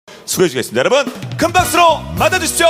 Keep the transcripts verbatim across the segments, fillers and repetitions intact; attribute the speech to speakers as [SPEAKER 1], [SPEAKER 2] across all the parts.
[SPEAKER 1] 수고해 주겠습니다. 여러분 큰 박수로 맞아주십시오.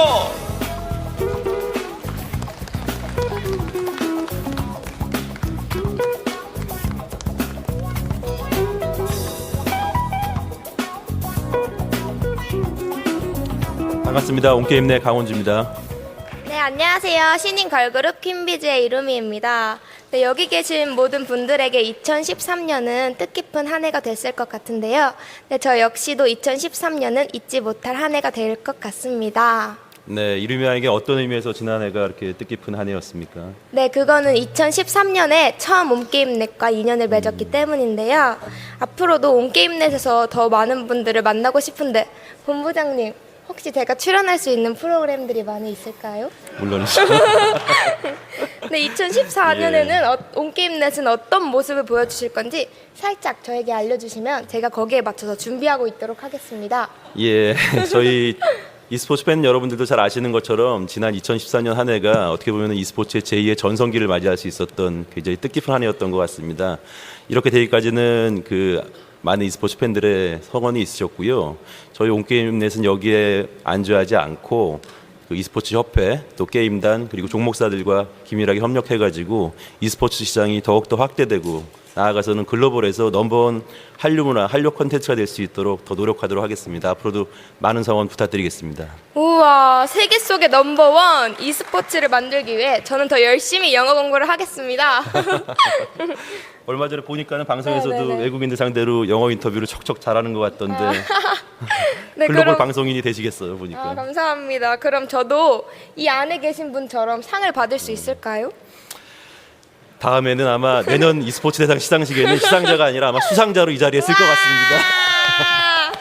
[SPEAKER 2] 반갑습니다. 온게임 내 강원주입니다.
[SPEAKER 3] 네, 안녕하세요. 신인 걸그룹 퀸비즈의 이루미입니다. 네, 여기 계신 모든 분들에게 이천십삼 년은 뜻깊은 한 해가 됐을 것 같은데요. 네, 저 역시도 이천십삼 년은 잊지 못할 한 해가 될 것 같습니다.
[SPEAKER 2] 네, 이루미에게 어떤 의미에서 지난 해가 이렇게 뜻깊은 한 해였습니까?
[SPEAKER 3] 네, 그거는 이천십삼 년에 처음 온게임넷과 인연을 맺었기
[SPEAKER 2] 음.
[SPEAKER 3] 때문인데요. 앞으로도 온게임넷에서 더 많은 분들을 만나고 싶은데 본부장님, 혹시 제가 출연할 수 있는 프로그램들이 많이 있을까요?
[SPEAKER 2] 물론이죠.
[SPEAKER 3] 네, 이천십사 년에는 어, 온게임넷은 어떤 모습을 보여주실 건지 살짝 저에게 알려주시면 제가 거기에 맞춰서 준비하고 있도록 하겠습니다.
[SPEAKER 2] 예, 저희 e스포츠 팬 여러분들도 잘 아시는 것처럼 지난 이천십사 년 한 해가 어떻게 보면 e스포츠의 제이의 전성기를 맞이할 수 있었던 굉장히 뜻깊은 한 해였던 것 같습니다. 이렇게 되기까지는 그 많은 e스포츠 팬들의 성원이 있으셨고요. 저희 온게임넷은 여기에 안주하지 않고 그 e스포츠 협회, 또 게임단, 그리고 종목사들과 긴밀하게 협력해가지고 e스포츠 시장이 더욱더 확대되고 나아가서는 글로벌에서 넘버원 한류 문화, 한류 콘텐츠가 될 수 있도록 더 노력하도록 하겠습니다. 앞으로도 많은 성원 부탁드리겠습니다.
[SPEAKER 3] 우와, 세계 속의 넘버원 e스포츠를 만들기 위해 저는 더 열심히 영어 공부를 하겠습니다.
[SPEAKER 2] 얼마 전에 보니까는 방송에서도
[SPEAKER 3] 네네네.
[SPEAKER 2] 외국인들 상대로 영어 인터뷰를 척척 잘하는 것 같던데
[SPEAKER 3] 네,
[SPEAKER 2] 글로벌
[SPEAKER 3] 그럼-
[SPEAKER 2] 방송인이 되시겠어요, 보니까.
[SPEAKER 3] 아, 감사합니다. 그럼 저도 이 안에 계신 분처럼 상을 받을 수 있을까요?
[SPEAKER 2] 다음에는 아마 내년 e스포츠 대상 시상식에는 시상자가 아니라 아마 수상자로 이 자리에 쓸 것 같습니다.
[SPEAKER 3] 와!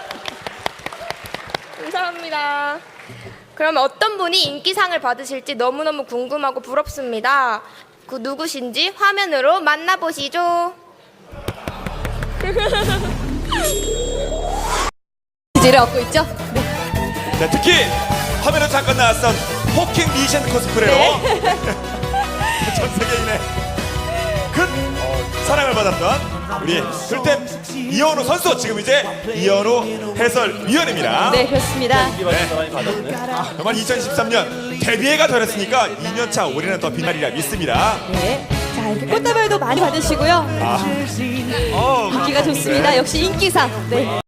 [SPEAKER 3] 감사합니다. 그러면 어떤 분이 인기상을 받으실지 너무너무 궁금하고 부럽습니다. 그 누구신지 화면으로 만나보시죠.
[SPEAKER 4] 지를 얻고 있죠? 네.
[SPEAKER 1] 네, 특히 화면에 잠깐 나왔던 호킹 리젠 코스프레로 전 세계인의 큰 어, 사랑을 받았던 우리 글템 이현우 선수, 지금 이제 이현우 해설위원입니다.
[SPEAKER 4] 네, 그렇습니다.
[SPEAKER 1] 정말 이천십삼 년 데뷔해가 되었으니까 이 년 차 올해는 더 빛나리라 믿습니다.
[SPEAKER 4] 네. 자, 이렇게 꽃다발도 많이 받으시고요.
[SPEAKER 1] 아, 어,
[SPEAKER 4] 인기가 좋습니다. 역시 인기상. 네.